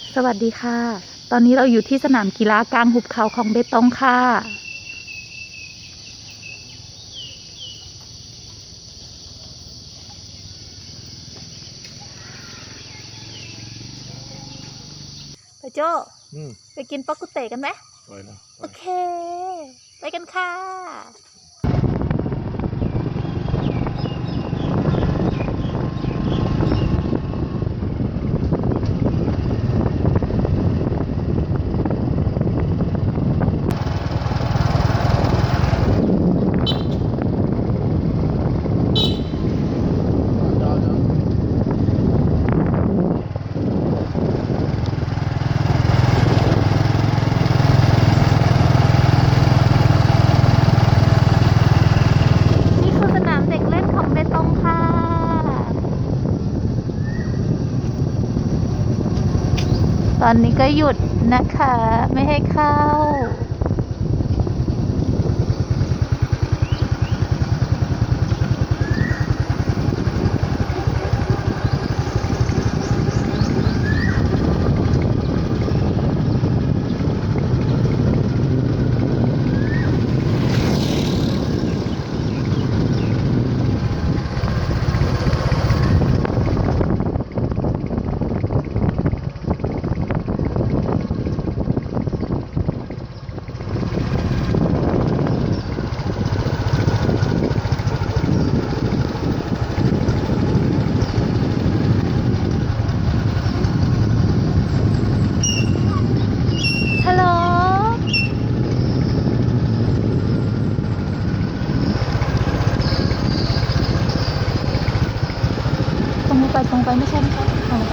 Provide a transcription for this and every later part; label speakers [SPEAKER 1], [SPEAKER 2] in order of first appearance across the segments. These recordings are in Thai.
[SPEAKER 1] สวัสดีค่ะ ตอนนี้เราอยู่ที่สนามกีฬากลางหุบเขาของเบตงค่ะ ไปโจ้ไปกินปักกุเตกันไหมไปนะโอเค ไปกันค่ะ นี่คือสนามเด็กเล่นของเบตงค่ะ ตอนนี้ก็หยุดนะคะ ไม่ให้เข้า ฮัลโหล ตรงไปไม่ใช่ตรงไป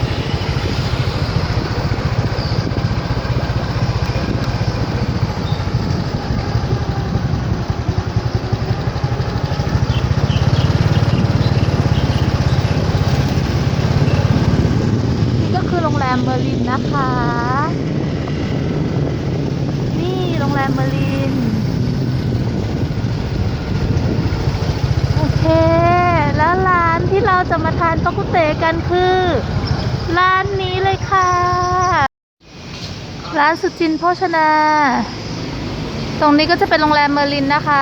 [SPEAKER 1] นี่ก็คือโรงแรมเมอร์ลินนะคะ นี่โรงแรมเมอร์ลิน โอเค แล้วร้านที่เราจะมาทานปักกุเตกันคือ ร้านนี้เลยค่ะ ร้านสุจินต์โภชนา ตรงนี้ก็จะเป็นโรงแรมเมอร์ลินนะคะ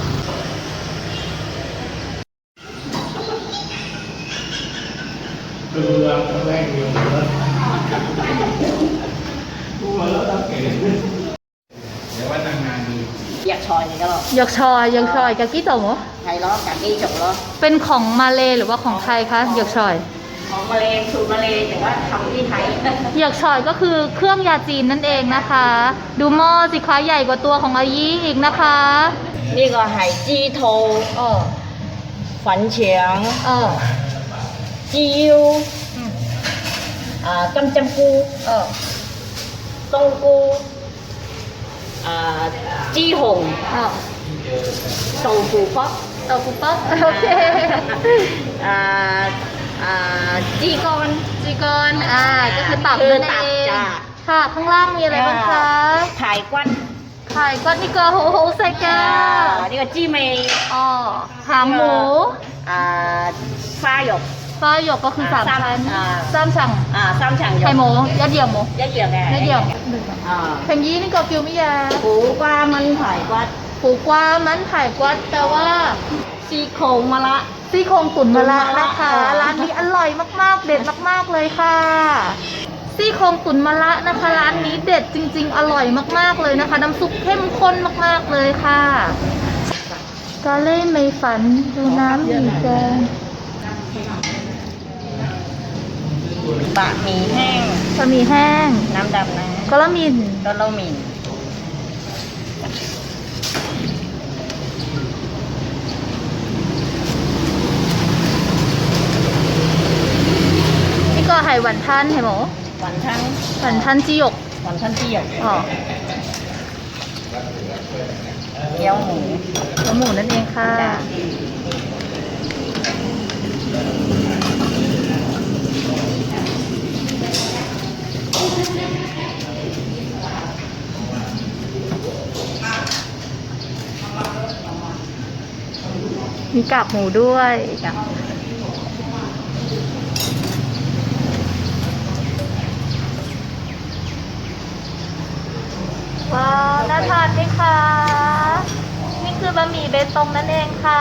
[SPEAKER 2] Giặc sòi này cái rồi
[SPEAKER 1] หยกชอยหยกชอยกะกี้โตโม
[SPEAKER 2] thầy đó cả cây chục đó
[SPEAKER 1] เป็นของมาเลหรือว่าของไทยคะหยกชอย
[SPEAKER 2] còn Malay sùi Malay thì có không đi thầy
[SPEAKER 1] หยกชอยก็คือเครื่องยาจีนนั่นเองนะคะ ดูหม้อสิคะใหญ่กว่าตัวของอายีอีกนะคะ
[SPEAKER 2] นี่ก็hải chi thô
[SPEAKER 1] เออ
[SPEAKER 2] phấn tráng
[SPEAKER 1] เออ
[SPEAKER 2] chi yêu cam chăm cu
[SPEAKER 1] เออ
[SPEAKER 2] tông cu chi hồng
[SPEAKER 1] เออ
[SPEAKER 2] sầu phù phóc
[SPEAKER 1] เตาคุป๊อกโอเค
[SPEAKER 2] chi con
[SPEAKER 1] จีกอนก็คือตับนั่นเอง
[SPEAKER 2] จ้ะ
[SPEAKER 1] ค่ะ ข้างล่างมีอะไรบ้างคะ
[SPEAKER 2] thải quăn
[SPEAKER 1] ไข่ก้อนนี่ก็โหโหใส่แก้ว
[SPEAKER 2] นี่ก็ chi mì
[SPEAKER 1] อ๋อหางหมู
[SPEAKER 2] pha dục
[SPEAKER 1] ฟ้าหยกก็คือ3 ชั้น 3 ชั้น
[SPEAKER 2] xăm chẳng
[SPEAKER 1] ไข่
[SPEAKER 2] dục
[SPEAKER 1] หมูยอดเยี่ยมหมู
[SPEAKER 2] rất nhiều nè
[SPEAKER 1] ยอดเยี่ยม
[SPEAKER 2] à.
[SPEAKER 1] เพลงยี่นี่ก็กิวมิยา
[SPEAKER 2] củ qua măng thải quắt
[SPEAKER 1] ปูกวามันไข่กวัดแต่ว่า
[SPEAKER 2] ซี่โครงมะละ
[SPEAKER 1] ซี่โครงตุ๋นมะระ
[SPEAKER 2] ตุ๋นมะระ
[SPEAKER 1] นะคะ
[SPEAKER 2] ค่ะ
[SPEAKER 1] ร้านนี้อร่อยมากๆ เด็ดมากๆเลยค่ะ ซี่โครงตุ๋นมะระนะคะ ร้านนี้เด็ดจริงๆ อร่อยมากๆเลยนะคะ น้ำซุปเข้มข้นมากๆเลยค่ะกาเล่ไม่ฝันดูน้ำหมี่แกง
[SPEAKER 2] บะหมี่แห้ง
[SPEAKER 1] บะหมี่แห้ง
[SPEAKER 2] น้ำดำนะ
[SPEAKER 1] กะละมิน
[SPEAKER 2] ก็โลหมิ่น
[SPEAKER 1] นี่ก็ไห่หวานท่านเห็นไหม
[SPEAKER 2] หวานทั้ง
[SPEAKER 1] หวานท่านจีหยก
[SPEAKER 2] หวานทั้งที่หยก
[SPEAKER 1] อ๋อ
[SPEAKER 2] เกี๊ยวหมู
[SPEAKER 1] แล้วหมูนั่นเองค่ะ
[SPEAKER 2] จ้ะ
[SPEAKER 1] มีกากหมูด้วย
[SPEAKER 2] จ้ะ
[SPEAKER 1] นาทานไหมคะ นี่คือบะหมี่เบตงนั่นเองค่ะ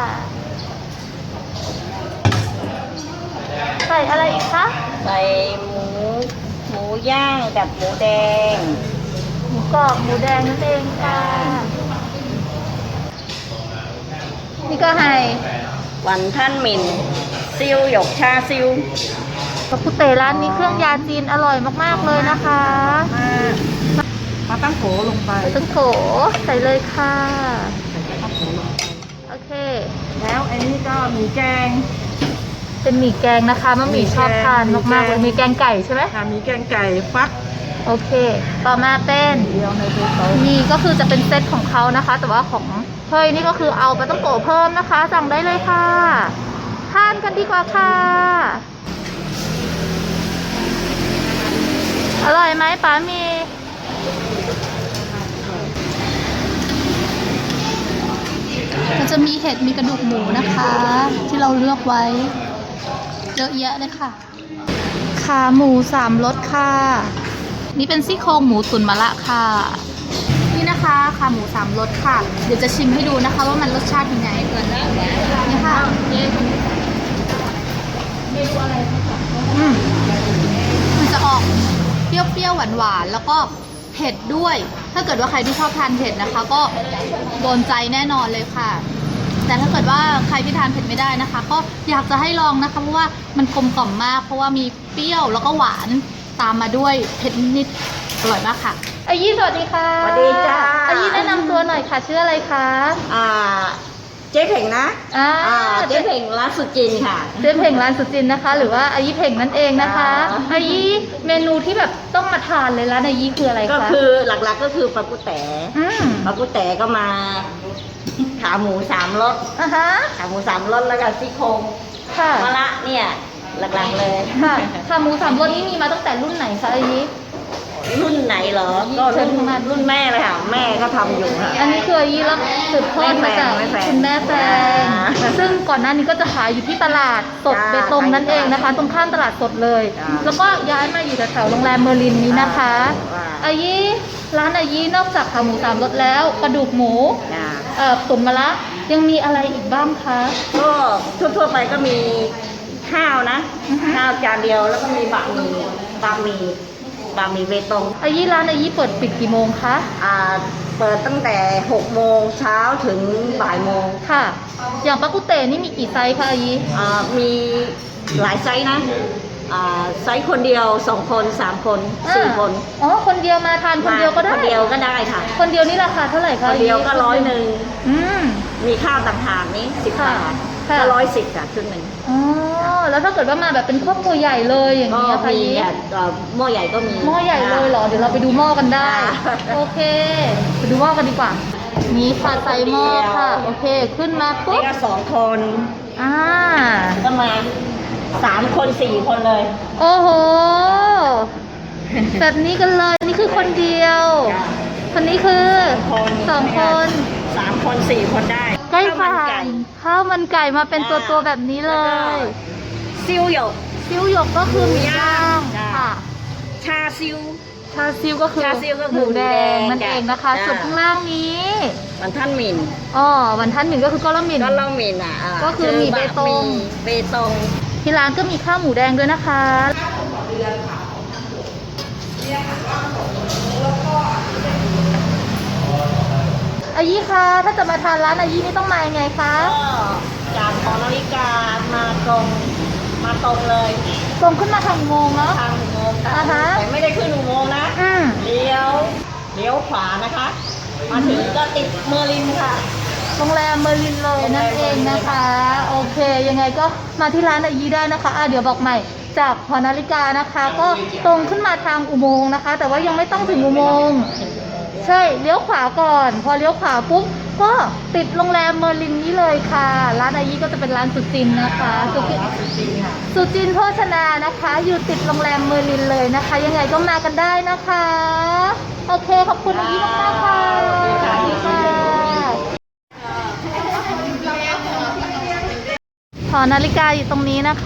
[SPEAKER 1] ใส่อะไรอีกคะ
[SPEAKER 2] ใส่หมูย่างกับหมูแดง
[SPEAKER 1] หมูกรอบหมูแดงนั่นเองค่ะ นี่ก็ให้
[SPEAKER 2] วันท่านหมิ่นซิวหยกชาซิว
[SPEAKER 1] ปากุเตร้านนี้เครื่องยาจีนอร่อยมากๆเลยนะคะ
[SPEAKER 2] มาตั้งโขลงไป
[SPEAKER 1] ตึงโถใส่เลยค่ะ โอเค
[SPEAKER 2] แล้วอันนี้ก็หมูแกง
[SPEAKER 1] เป็นหมี่แกงนะคะมะหมี่ชอบทานมากๆเลยมีแกงไก่ใช่ไหม
[SPEAKER 2] มีแกงไก่ฟัก
[SPEAKER 1] โอเค ต่อมาเป็น
[SPEAKER 2] เดียวในเบตง
[SPEAKER 1] นี่ก็คือจะเป็นเซตของเขานะคะ แต่ว่าของเฮ้ยนี่ก็คือเอาไปต้องโกะเพิ่มนะคะ สั่งได้เลยค่ะ ทานกันดีกว่าค่ะ อร่อยไหมป๋ามีมันจะมีเห็ดมีกระดูกหมูนะคะ ที่เราเลือกไว้เยอะแยะเลยค่ะ ขาหมู3 รสค่ะ นี่เป็นซี่โครงหมูตุ๋นมะระค่ะ นี่นะคะขาหมู3 รสค่ะ เดี๋ยวจะชิมให้ดูนะคะ ว่ามันรสชาติยังไงเกินนี่ค่ะมันจะออกเปรี้ยวๆหวานๆแล้วก็เผ็ดด้วย ถ้าเกิดว่าใครที่ชอบทานเผ็ดนะคะ ก็โดนใจแน่นอนเลยค่ะ แต่ถ้าเกิดว่าใครที่ทานเผ็ดไม่ได้นะคะ ก็อยากจะให้ลองนะคะเพราะว่ามันกลมกล่อมมาก เพราะว่ามีเปรี้ยวแล้วก็หวานตามมาด้วยเผ็ดนิดอร่อยมากค่ะอายี่สวัสดีค่ะ
[SPEAKER 2] สวัสดีจ้า
[SPEAKER 1] อายี่แนะนำตัวหน่อยค่ะชื่ออะไรคะ
[SPEAKER 2] เจ๊เพ่งนะ
[SPEAKER 1] เจ๊
[SPEAKER 2] เจ๊เพ่งร้านสุจินค่ะ
[SPEAKER 1] เจ๊เพ่งร้านสุจินนะคะ หรือว่าอายี่เพ่งนั่นเองนะคะ อายี่เมนูที่แบบต้องมาทานเลยร้านอายี่คืออะไรคะ
[SPEAKER 2] ก็คือหลักๆก็คือปลากุแต๋
[SPEAKER 1] ม
[SPEAKER 2] ปลากุแต๋ก็มาขาหมู3 รส
[SPEAKER 1] อ่ะฮะ
[SPEAKER 2] ขาหมู3 รสแล้วก็ซี่โครง
[SPEAKER 1] ค่ะ
[SPEAKER 2] มะระเนี่ยหลักๆเลย
[SPEAKER 1] ค่ะขาหมู3 รสนี้มีมาตั้งแต่รุ่นไหนคะอายี่
[SPEAKER 2] รุ่นไหนเหรอ ก็รุ่นแม่เลยค่ะ แม่ก็ทำอยู่ค่ะ
[SPEAKER 1] อันนี้คืออายี่รับสืบทอดมาจาก
[SPEAKER 2] แม่แฟน
[SPEAKER 1] คุณแม่แฟน
[SPEAKER 2] จ้า
[SPEAKER 1] ซึ่งก่อนหน้านี้ก็จะขายอยู่ที่ตลาดสด
[SPEAKER 2] จ้า
[SPEAKER 1] เบตงนั่นเองนะคะ ตรงข้ามตลาดสดเลย
[SPEAKER 2] จ้า
[SPEAKER 1] แล้วก็ย้ายมาอยู่แถวๆโรงแรมเมอร์ลินนี้นะคะ
[SPEAKER 2] ว้า
[SPEAKER 1] อายี่ร้านอายี่นอกจากขาหมู3 รสแล้วกระดูกหมู
[SPEAKER 2] จ้า
[SPEAKER 1] ตุ๋นมะระยังมีอะไรอีกบ้างคะ
[SPEAKER 2] ก็ทั่วๆไปก็มีข้าวนะ
[SPEAKER 1] อือฮึ
[SPEAKER 2] ข้าวจานเดียวแล้วก็มีบะหมี่เบตง
[SPEAKER 1] อายี่ร้านอายี่เปิดปิดกี่โมงคะ
[SPEAKER 2] เปิดตั้งแต่6 โมงเช้าถึงบ่ายโมง
[SPEAKER 1] ค่ะ อย่างปากุเตนี่มีกี่ไซส์คะอายี่
[SPEAKER 2] มีหลายไซส์นะไซส์คนเดียว2 คน3 คน4 คน
[SPEAKER 1] อ๋อคนเดียวมาทานคนเดียวก็ได้
[SPEAKER 2] คนเดียวก็ได้ค่ะ
[SPEAKER 1] คนเดียวนี่ราคาเท่าไหร่คะ
[SPEAKER 2] คนเดียวก็
[SPEAKER 1] อายี่
[SPEAKER 2] 100
[SPEAKER 1] อืม
[SPEAKER 2] มีข้าวต่างหากนี้10
[SPEAKER 1] ค่ะ
[SPEAKER 2] บาท
[SPEAKER 1] ค่ะ
[SPEAKER 2] ก็110ค่ะครึ่งหนึ่ง
[SPEAKER 1] อ๋อ แล้วถ้าเกิดว่ามาแบบเป็นครอบครัวใหญ่เลยอย่าง
[SPEAKER 2] ก็
[SPEAKER 1] นี้ยค่ะ
[SPEAKER 2] มี
[SPEAKER 1] ยี่
[SPEAKER 2] หม้อใหญ่ก็มี
[SPEAKER 1] หม้อใหญ่เลยเหรอ เดี๋ยวเราไปดูหม้อกันได้
[SPEAKER 2] ค่ะ
[SPEAKER 1] โอเค ไปดูหม้อกันดีกว่า นี่ค่ะใส่หม้อค่ะ โอเค ขึ้นมาปุ๊
[SPEAKER 2] นี่
[SPEAKER 1] บ
[SPEAKER 2] ก็2 คน
[SPEAKER 1] อ่า
[SPEAKER 2] ก็มา3 คน4 คนเลย
[SPEAKER 1] โอ้โห แบบนี้กันเลย นี่คือคนเดียว คนนี้คือ 2 คน
[SPEAKER 2] 3 คน4 คนได้
[SPEAKER 1] ใกล้
[SPEAKER 2] ข้าว
[SPEAKER 1] ผ่า
[SPEAKER 2] มันไก่
[SPEAKER 1] นข้าวมันไก่มาเป็นตัวๆแบบนี้เลย
[SPEAKER 2] ซิวหยก
[SPEAKER 1] ซิ้วหยกก็คือหมูย่าง
[SPEAKER 2] จ้ะ
[SPEAKER 1] ค่ะ
[SPEAKER 2] ชาซิว
[SPEAKER 1] ชาซิวก็คือ
[SPEAKER 2] ชาซิวก็คือ
[SPEAKER 1] หมูแดง
[SPEAKER 2] หมูแดง
[SPEAKER 1] นั่นเองนะคะ
[SPEAKER 2] จ้ะ
[SPEAKER 1] ส่วนข้างล่างนี้
[SPEAKER 2] มันท่านหมิ่น
[SPEAKER 1] อ๋อวันท่านหนึ่งก็คือก้อนละหมิ่น
[SPEAKER 2] ก็เล่าหมิ่น
[SPEAKER 1] ก็คือหมี่เบตง
[SPEAKER 2] เบตง
[SPEAKER 1] ที่ร้านก็มีข้าวหมูแดงด้วยนะคะอายี่คะถ้าจะมาทานร้านอายี่นี่ต้องมายังไงคะ
[SPEAKER 2] ก็จากหอนาฬิกามาตรงเลย
[SPEAKER 1] ตรงขึ้นมาทางอุโมงค์เนาะ
[SPEAKER 2] ทางอุโมงค์
[SPEAKER 1] อ่าฮะ
[SPEAKER 2] แต่ไม่ได้ขึ้นอุโมงค์นะ
[SPEAKER 1] อืม
[SPEAKER 2] เลี้ยวขวานะคะ มาถึงก็ติดเมอร์ลินค่ะ
[SPEAKER 1] โรงแรมเมอร์ลินเลยนั่นเองนะคะ โอเค ยังไงก็มาที่ร้านอายี่ได้นะคะเดี๋ยวบอกใหม่จากหอนาฬิกานะคะ ก็ตรงขึ้นมาทางอุโมงค์นะคะ แต่ว่ายังไม่ต้องถึงอุโมงค์ใช่เลี้ยวขวาก่อน พอเลี้ยวขวาปุ๊บก็ติดโรงแรมเมอร์ลินนี้เลยค่ะ ร้านอายี่ก็จะเป็นร้านสุจินนะคะสุจินโภชนานะคะ อยู่ติดโรงแรมเมอร์ลินเลยนะคะ ยังไงก็มากันได้นะคะ โอเคขอบคุณอายี่มากๆค่ะสวัสดีค่ะหอนาฬิกาอยู่ตรงนี้นะคะ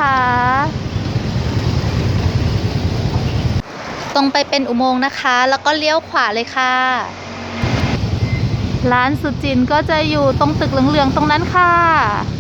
[SPEAKER 1] ตรงไปเป็นอุโมงค์นะคะ แล้วก็เลี้ยวขวาเลยค่ะร้านสุจินก็จะอยู่ตรงตึกเหลืองๆตรงนั้นค่ะ